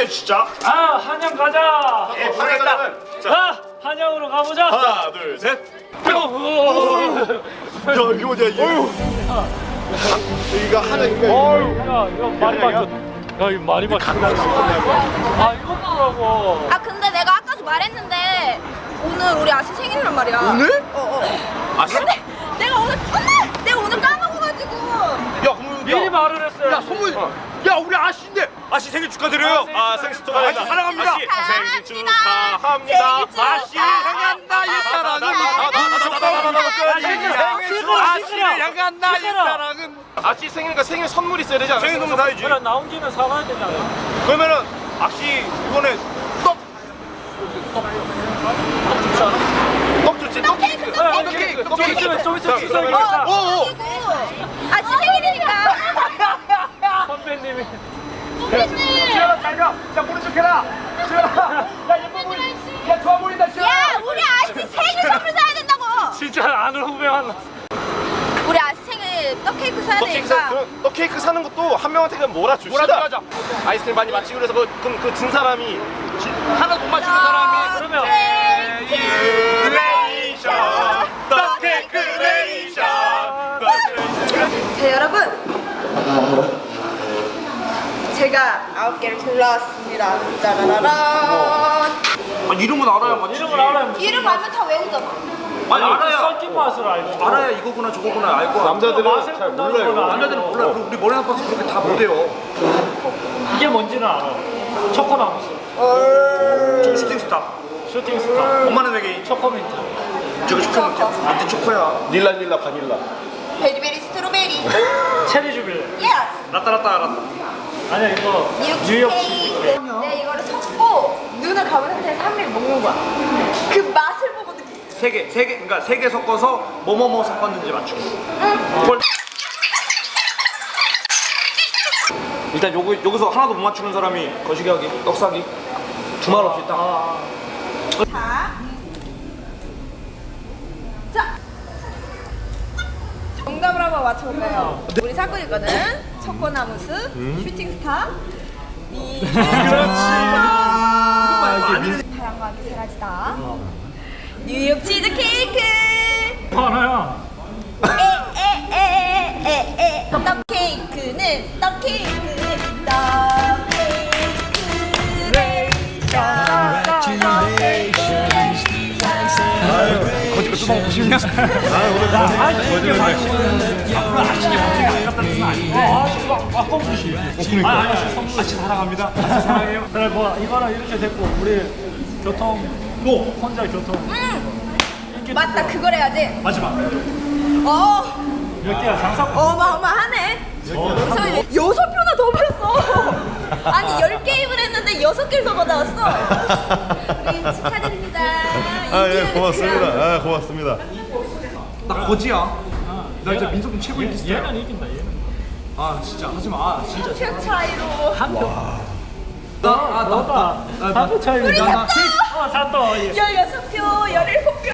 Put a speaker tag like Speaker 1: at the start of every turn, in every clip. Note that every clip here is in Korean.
Speaker 1: 진짜.
Speaker 2: 아, 한양 가자.
Speaker 1: 예, 가자.
Speaker 2: 자, 한양으로 가보자.
Speaker 1: 하나, 둘, 셋. 야, 이거 뭐냐, 이거. 여기가 하나인가?
Speaker 2: 야, 이거 많이 바뀌었. 야, 이거 많이 바뀌었다. 아, 이거 뭐라고?
Speaker 3: 아 근데 내가 아까도 말했는데 오늘 우리 아씨 생일이란 말이야.
Speaker 1: 오늘?
Speaker 3: 아씨? 근데 내가 오늘 까먹어가지고.
Speaker 1: 야, 그럼
Speaker 2: 미리 말을 했어요.
Speaker 1: 야, 선물. 야, 우리 아씨인데. 아씨 생일 축하드려요. 아, 생일 축하합니다. 사랑합니다. 아씨 생일 축하합니다. 아씨 향한다 이 사랑은. 아씨를 향한다 이 사랑은. 아씨 생일이니까 생일 선물 있어야 되지 않아? 생일 선물 사야지.
Speaker 2: 그래, 나온 김에 사가야 되잖아.
Speaker 1: 그러면은 아씨 이번에 떡 좋지 않아? 떡 좋지. 떡 케이크. 떡 케이크. 떡 케이크.
Speaker 2: 좀 있으면 추석이니까.
Speaker 1: 오.
Speaker 3: 아씨 생일이니까.
Speaker 2: 선배님이.
Speaker 3: 선배님.
Speaker 1: 달려. 자 모른 척해라. 야 예뻐 보인다. 야 좋아 보인다.
Speaker 3: 야 우리 아씨 생일 선물 사야 된다고.
Speaker 2: 진짜 아는 후배 만났어.
Speaker 3: 우리 아씨 생일 떡 케이크 사야 되니까.
Speaker 1: 떡 케이크 사는 것도 한 명한테 그냥 몰아줍시다. 아이스크림 많이 맞히고 그래서 그 진 사람이 하나도 못 맞추는 사람이
Speaker 2: 그러면
Speaker 1: 레이션 떡 케이크 레이션.
Speaker 3: 자 여러분. 제가 9개를 골라왔습니다. 짜라라란.
Speaker 1: 아 이름은 알아야만.
Speaker 2: 이름을 알아야.
Speaker 3: 이름 알면 다 외우잖아.
Speaker 1: 아니 알아야.
Speaker 2: 섞인 맛을 알고.
Speaker 1: 알아야 이거구나 저거구나 알 거야. 남자들은 잘 몰라요. 남자들은 몰라요. 우리 머리 나빠서 그렇게 다 못해요.
Speaker 2: 이게 뭔지는 알아. 초코나무스.
Speaker 1: 슈팅 스타.
Speaker 2: 슈팅 스타.
Speaker 1: 엄마는 외계인.
Speaker 2: 초코민트.
Speaker 1: 저거 초코 민트 초코야. 닐라 바닐라.
Speaker 3: 베리베리 스트로베리.
Speaker 2: 체리 주빌레.
Speaker 3: 예스.
Speaker 1: 라따.
Speaker 2: 아니야, 이거
Speaker 3: 뉴욕 케이크. 네, 이거를 섞고 눈을 감은 상태에서 한 입 먹는 거야. 그 맛을 보고 느끼.
Speaker 1: 그러니까 세 개 섞어서 뭐뭐뭐 섞었는지 맞추고. 일단 여기서 하나도 못 맞추는 사람이 거시기 하기, 떡사기 두 말 없이 딱.
Speaker 3: 자. 정답을 한번 맞춰볼까요? 우리 사건이거든. 초코나무스, 슈팅스타, 다양하게 사라지다. 뉴욕 치즈 케이크.
Speaker 2: 하나야.
Speaker 3: 떡 케이크는 떡 케이크는 떡
Speaker 1: 거짓말 뚜껑 보시냐?
Speaker 2: 이게 맛있는 앞으로 아시게 아깝다는 뜻은 아닌데. 아까우시. 아니, 선물 아시 사랑합니다. 아시 사랑해요. 그래, 뭐 이거는 이렇게 됐고 우리 교통 혼자 교통.
Speaker 3: 맞다, 그걸 해야지.
Speaker 2: 마지막. 몇 개야 장사꾼.
Speaker 3: 어마어마하네. 그래서 6표나 더 받았어. 아니 10게임을 했는데 6개를 더 받아왔어. 우리 축하드립니다.
Speaker 4: 예, 고맙습니다. 아, 고맙습니다.
Speaker 1: 나 거지야. 나 이제 민석군 최고 인기스타야.
Speaker 2: 얘는 이긴다. 얘는.
Speaker 1: 아 진짜 하지 마. 진짜.
Speaker 3: 표 차이로.
Speaker 2: 너가 한표 차이.
Speaker 3: 우리 샀다.
Speaker 2: 샀다.
Speaker 3: 16표, 17표.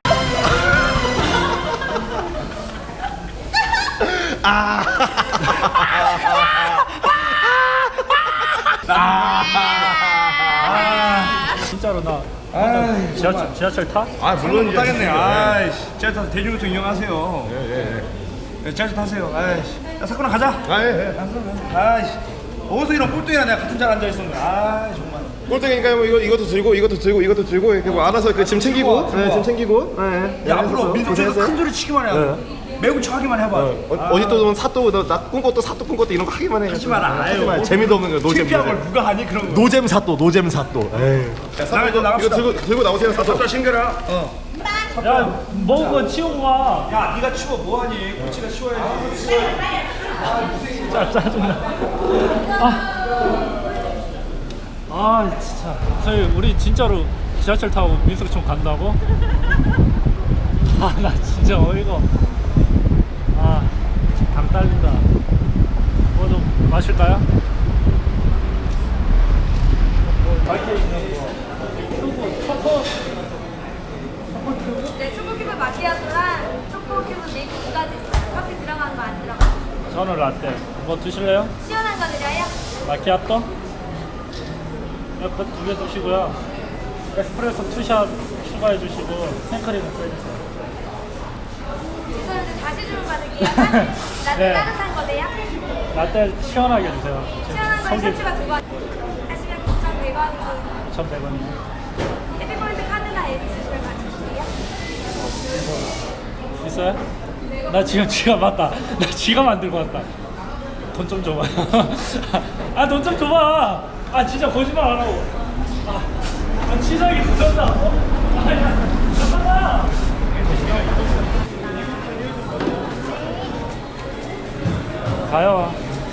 Speaker 2: 진짜로 나 지하철 타?
Speaker 4: 아, 물론
Speaker 1: 못 하겠네. 아이씨. 지하철 타서 대중교통 이용하세요. 예. 지하철 타세요. 아이씨. 야 사쿠나 가자.
Speaker 4: 아, 예.
Speaker 1: 아이씨. 어디서 이런 꼴등이랑 내가 같은 자리에 앉아 있었는데. 아 정말.
Speaker 4: 꼴등이니까 뭐 이것도 들고 이렇게 뭐 알아서 그 짐 챙기고,
Speaker 1: 좋아.
Speaker 4: 짐 챙기고. 예.
Speaker 1: 야 앞으로 민석에서 큰 소리 치기만 해. 매우 척하기만 해봐.
Speaker 4: 어디 또 사또 나 꿈꿨 또 사또 꿈꿨 또 이런 거 하기만 해.
Speaker 1: 하지 마라.
Speaker 4: 하지 마.
Speaker 1: 아유,
Speaker 4: 재미도 없는 거 노잼.
Speaker 1: 창피한 걸 누가 하니 그런 거.
Speaker 4: 노잼 사또. 에이.
Speaker 1: 나가 너
Speaker 4: 이거
Speaker 1: 나갑시다.
Speaker 4: 들고 나오세요 사또.
Speaker 1: 자 챙겨라.
Speaker 2: 야, 먹은 거 치우고 와.
Speaker 1: 야 네가 치워 뭐하니? 코치가 치워야지.
Speaker 2: 진짜 짜증나. 진짜. 저희 우리 진짜로 지하철 타고 민석촌 간다고? 나 진짜 어이가. 당 딸린다. 뭐 좀 마실까요? 밖에 있는 거. 초코.
Speaker 3: 네, 초코큐브 마키아토랑 초코큐브 밀크까지 있어요. 커피 들어간 거 안 들어가.
Speaker 2: 저는 라떼. 뭐 드실래요?
Speaker 3: 시원한 거 드려요?
Speaker 2: 마키아토? 두 개 드시고요. 에스프레소 투샷 추가해 주시고 생크림을 빼주세요.
Speaker 3: 죄송한데 다시 주문 받을게요. 라떼
Speaker 2: 네.
Speaker 3: 따뜻한 거세요?
Speaker 2: 라떼 시원하게 주세요.
Speaker 3: 시원한 거 셔츠가 2번. 하시면 9,100원이고
Speaker 2: 1,100원이요.
Speaker 3: 해피포인트 카드나 앱 있으시면 같이 주세요.
Speaker 2: 있어요? 나 지금 지갑 맞다. 나 지갑 안 들고 왔다. 돈 좀 줘봐. 아, 돈 좀 줘봐. 아, 진짜 거짓말 안 하고. 아, 치사하게 부졌다. 야, 잠깐만. 가요.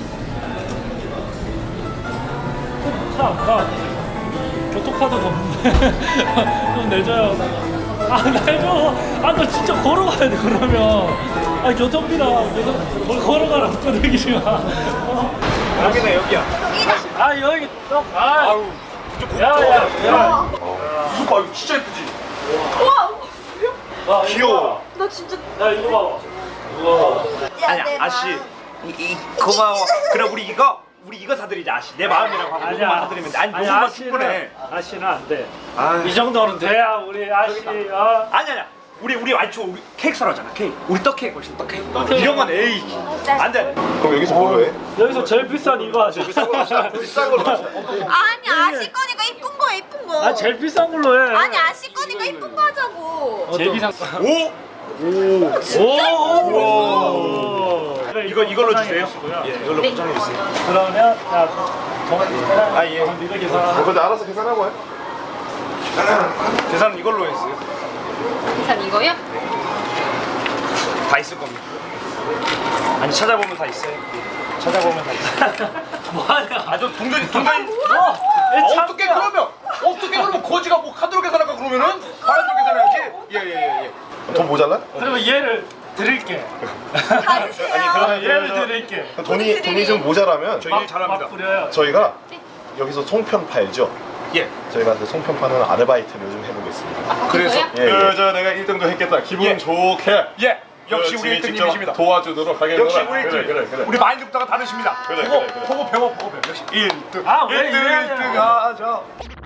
Speaker 2: 차 안 가. 교통카드도 없는데. 좀 내줘요. 아, 내줘. 아, 너 진짜 걸어가야 돼, 그러면. 아, 교통비다. 걸어가라. 끊기지 마.
Speaker 1: 여기네 여기야.
Speaker 2: 아, 여기 또. 아,
Speaker 1: 아우
Speaker 2: 야, 야, 야.
Speaker 1: 이거 봐 이거 진짜 예쁘지.
Speaker 3: 우와!
Speaker 1: 귀여워.
Speaker 3: 나 진짜
Speaker 2: 야, 이거 봐. 우와.
Speaker 1: 아니 아씨 고마워. 그럼 우리 이거 사드리자 아씨. 내 마음이라고 하고 이거만 사드리면 돼. 아니 요것만 충분해.
Speaker 2: 아씨는 안 돼.
Speaker 1: 아.
Speaker 2: 이 정도는 돼야 우리 아씨.
Speaker 1: 아니야. 우리 완초 우리 케이크 사러잖아 케이크. 우리 떡 케이크 멋있어 떡 케이크. 이런 건 에이 안돼.
Speaker 4: 그럼 여기서 뭐 해?
Speaker 2: 여기서 제일 비싼 이거 하자.
Speaker 4: 비싼 걸로 합시다.
Speaker 3: 아니 아시 거니까 이쁜 거 이쁜 거.
Speaker 2: 아, 제일 비싼 걸로 해.
Speaker 3: 아니 아시 거니까 이쁜 거 하자고.
Speaker 2: 제일 비싼.
Speaker 1: 오.
Speaker 2: 오.
Speaker 1: 이걸로 주세요. 예, 이걸로 포장해 주세요.
Speaker 2: 그러면 야,
Speaker 1: 아, 예.
Speaker 2: 네가 계산.
Speaker 4: 근데 알아서 계산하고 해.
Speaker 1: 계산은 이걸로 했어요.
Speaker 3: 계산 이거요?
Speaker 1: 다 있을 겁니다. 아니 찾아보면 다 있어요. 찾아보면 다 있어요.
Speaker 2: 뭐하냐?
Speaker 1: 아저 동전이 어떻게 그러면 거지가 뭐 카드로 계산할까 그러면은 바람으로 계산해야지. 예예예.
Speaker 4: 돈 모자라?
Speaker 2: 그러면 얘를 드릴게.
Speaker 3: 가주세요.
Speaker 2: 그러면 얘를 드릴게.
Speaker 4: 돈이 좀 모자라면
Speaker 1: 저희 일 잘합니다.
Speaker 2: 막 뿌려요.
Speaker 4: 저희가 여기서 송편 팔죠.
Speaker 1: 예.
Speaker 4: 저희가 그 송편 파는 아르바이트를 요즘 해보겠습니다.
Speaker 1: 그래서
Speaker 4: 저 내가 1등도 했겠다. 기분
Speaker 1: 예.
Speaker 4: 좋게.
Speaker 1: 예. 역시
Speaker 4: 그
Speaker 1: 우리
Speaker 4: 지금
Speaker 1: 1등님이십니다.
Speaker 4: 직접 도와주도록 하겠습니다.
Speaker 1: 역시 우리 1등.
Speaker 4: 그래.
Speaker 1: 우리 마인드부터가 다르십니다.
Speaker 4: 그래.
Speaker 1: 보고 배워. 역시 1등.
Speaker 2: 아, 왜 이래요?
Speaker 1: 1등 하죠.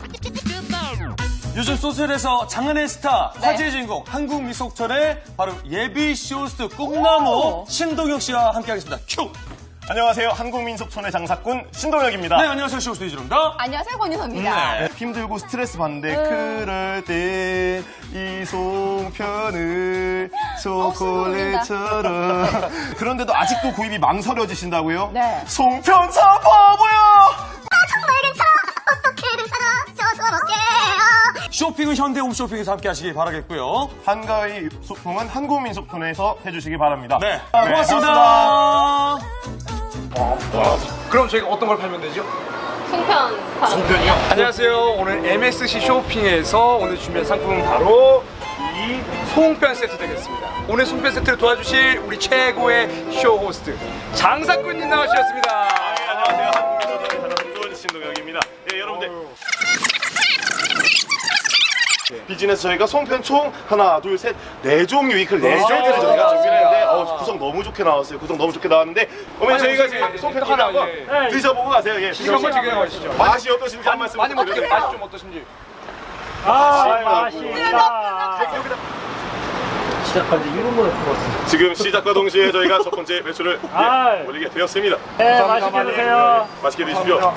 Speaker 5: 요즘 소설에서 장안의 스타, 화제의 주인공, 한국미속철의 바로 예비 쇼호스트 꿈나무 신동혁 씨와 함께하겠습니다. 큐!
Speaker 6: 안녕하세요. 한국민속촌의 장사꾼 신동혁입니다.
Speaker 5: 네, 안녕하세요. 쇼호스트 이준호입니다.
Speaker 3: 안녕하세요 권유선입니다.
Speaker 6: 힘들고 스트레스 받는데 그럴 때 이 송편을 초콜릿처럼 그런데도 아직도 구입이 망설여지신다고요?
Speaker 3: 네.
Speaker 6: 송편 사 바보야!
Speaker 7: 정말 괜찮아. 어떻게든 사다 줘서 먹게요.
Speaker 5: 쇼핑은 현대홈쇼핑에서 함께하시기 바라겠고요.
Speaker 6: 한가위 소통은 한국민속촌에서 해주시기 바랍니다.
Speaker 5: 네,
Speaker 6: 네,
Speaker 5: 고맙습니다.
Speaker 1: 그럼 저희가 어떤 걸 팔면 되죠?
Speaker 3: 송편.
Speaker 1: 송편이요? 안녕하세요. 오늘 MSC 쇼핑에서 오늘 준비한 상품은 바로 이 송편 세트 되겠습니다. 오늘 송편 세트를 도와주실 우리 최고의 쇼 호스트 장사꾼님 나와주셨습니다.
Speaker 6: 안녕하세요. 한국민속촌의 장사꾼 신동혁입니다. 네, 여러분들. 비즈니스 저희가 송편 총 하나, 둘, 셋, 네 종류 이클 네 세트를 저희가 준비를 했는데 구성 너무 좋게 나왔어요. 구성 너무 좋게 나왔는데 어머니 저희가 지금 송편 하나 한번 드셔보고 가세요. 예.
Speaker 1: 지금 한번 지금 가시죠.
Speaker 6: 맛이 어떠신지 한 말씀
Speaker 1: 많이 먹게
Speaker 6: 부탁드립니다.
Speaker 1: 맛이 좀 어떠신지.
Speaker 2: 맛있다. 시작한 지 1분만에 풀었어.
Speaker 6: 지금 시작과 동시에 저희가 첫 번째 매출을 올리게 되었습니다.
Speaker 2: 네, 맛있게 드세요.
Speaker 6: 맛있게 드십시오.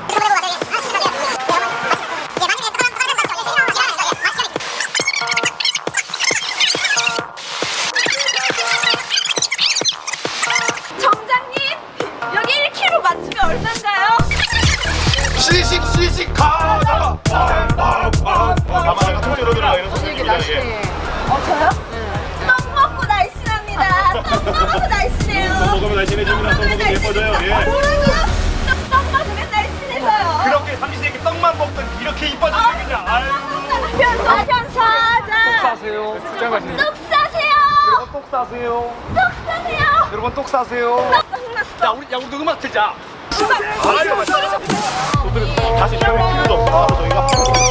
Speaker 3: 정장님 여기 1kg 맞추면 얼마인가요?
Speaker 6: 시식 가자. 가마가 통째로 들어가는 소식입니다. 예.
Speaker 3: 저요? 떡 먹고 날씬합니다. 떡 먹어서 날씬해요.
Speaker 6: 먹으면 날씬해집니다. 떡 먹으면 예뻐져요. 예.
Speaker 3: 뭐라고요? 떡 먹으면 날씬해서요.
Speaker 1: 그렇게 삼시세끼 떡만 먹던 이렇게 이뻐지는 그냥. 아유.
Speaker 3: 편사 사자.
Speaker 1: 사세요. 직장 가시는.
Speaker 3: 떡 사세요.
Speaker 1: 떡 사세요.
Speaker 3: 떡 사세요.
Speaker 1: 여러분 떡 사세요.
Speaker 3: 떡 났어.
Speaker 1: 우리도 음악 틀자.
Speaker 6: 다시 배울 필요도 없고 바로 저희가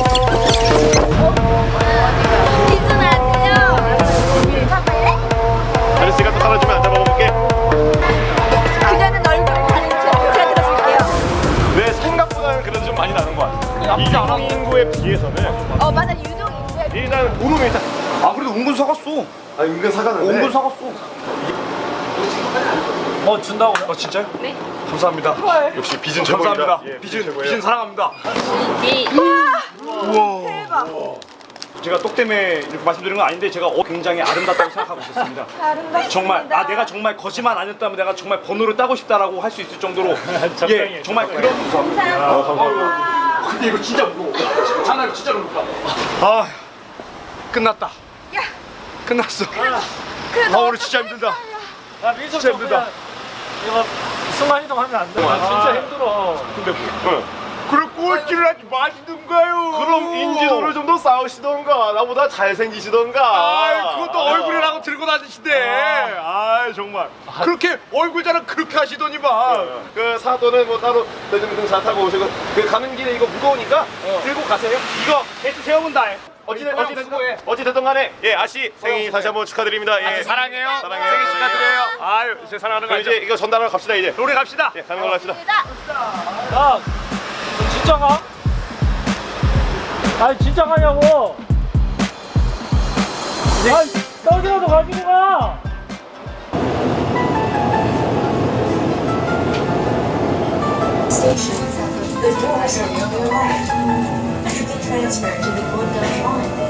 Speaker 3: 기준하세요. 사발래?
Speaker 6: 아저씨가 또 따라주면 앉아 먹어볼게.
Speaker 3: 그녀는 얼굴 가는 척 제가 들어줄게요.
Speaker 6: 내 생각보다는 그래도 좀 많이 나는 것 같아.
Speaker 1: 나쁘지 않았네.
Speaker 6: 아 은근 사가는데.
Speaker 1: 은근 사갔어.
Speaker 2: 준다고.
Speaker 1: 진짜요?
Speaker 3: 네.
Speaker 1: 감사합니다.
Speaker 6: 역시 빚은 최고입니다.
Speaker 1: 감사합니다.
Speaker 6: 예,
Speaker 1: 빚은 사랑합니다.
Speaker 3: 대박.
Speaker 1: 제가 똑 때문에 이렇게 말씀드린 건 아닌데 제가 굉장히 아름답다고 생각하고 있었습니다.
Speaker 3: 아름답습니다.
Speaker 1: 정말 내가 정말 거짓말 아니었다면 내가 정말 번호를 따고 싶다라고 할 수 있을 정도로
Speaker 2: 적당히,
Speaker 1: 정말
Speaker 2: 적당히.
Speaker 1: 그런
Speaker 3: 감사합니다.
Speaker 1: 근데 이거 진짜 무거워. 장난이 진짜로 무겁다. 아 끝났다.
Speaker 3: 야,
Speaker 1: 끝났어.
Speaker 3: 그래도
Speaker 1: 오늘 진짜 힘들다.
Speaker 2: 야, 민석
Speaker 1: 진짜
Speaker 2: 좀
Speaker 1: 힘들다.
Speaker 2: 그냥 이거 순간 이동하면 안 돼. 진짜 힘들어.
Speaker 1: 그래 꼴찌를 하지 마시던가요.
Speaker 6: 그럼 인지도를 좀 더 쌓으시던가 나보다 잘생기시던가.
Speaker 1: 그것도 얼굴이라고 들고 다니시대. 정말. 그렇게 얼굴 자랑 그렇게 하시더니만.
Speaker 6: 그 사도는 뭐 따로 대중교통 잘 타고 오시고 그 가는 길에 이거 무거우니까 들고 가세요. 이거
Speaker 1: 게이트 세워본다.
Speaker 6: 어찌됐든 간에 예 아씨 생일 다시 한번 축하드립니다. 예
Speaker 1: 사랑해요.
Speaker 6: 사랑해요.
Speaker 1: 생일 축하드려요. 아유 제 사랑하는 거
Speaker 6: 그럼
Speaker 1: 알죠?
Speaker 6: 이제 이거 전달하러 갑시다 이제.
Speaker 1: 노래 갑시다.
Speaker 6: 예 가는 걸로 합시다.
Speaker 2: 야, 너 진짜 가? 아니 진짜 가냐고? 아니 떡이라도 가지고 가.
Speaker 8: Station. The doors are on your right. You can transfer to the Gondar line.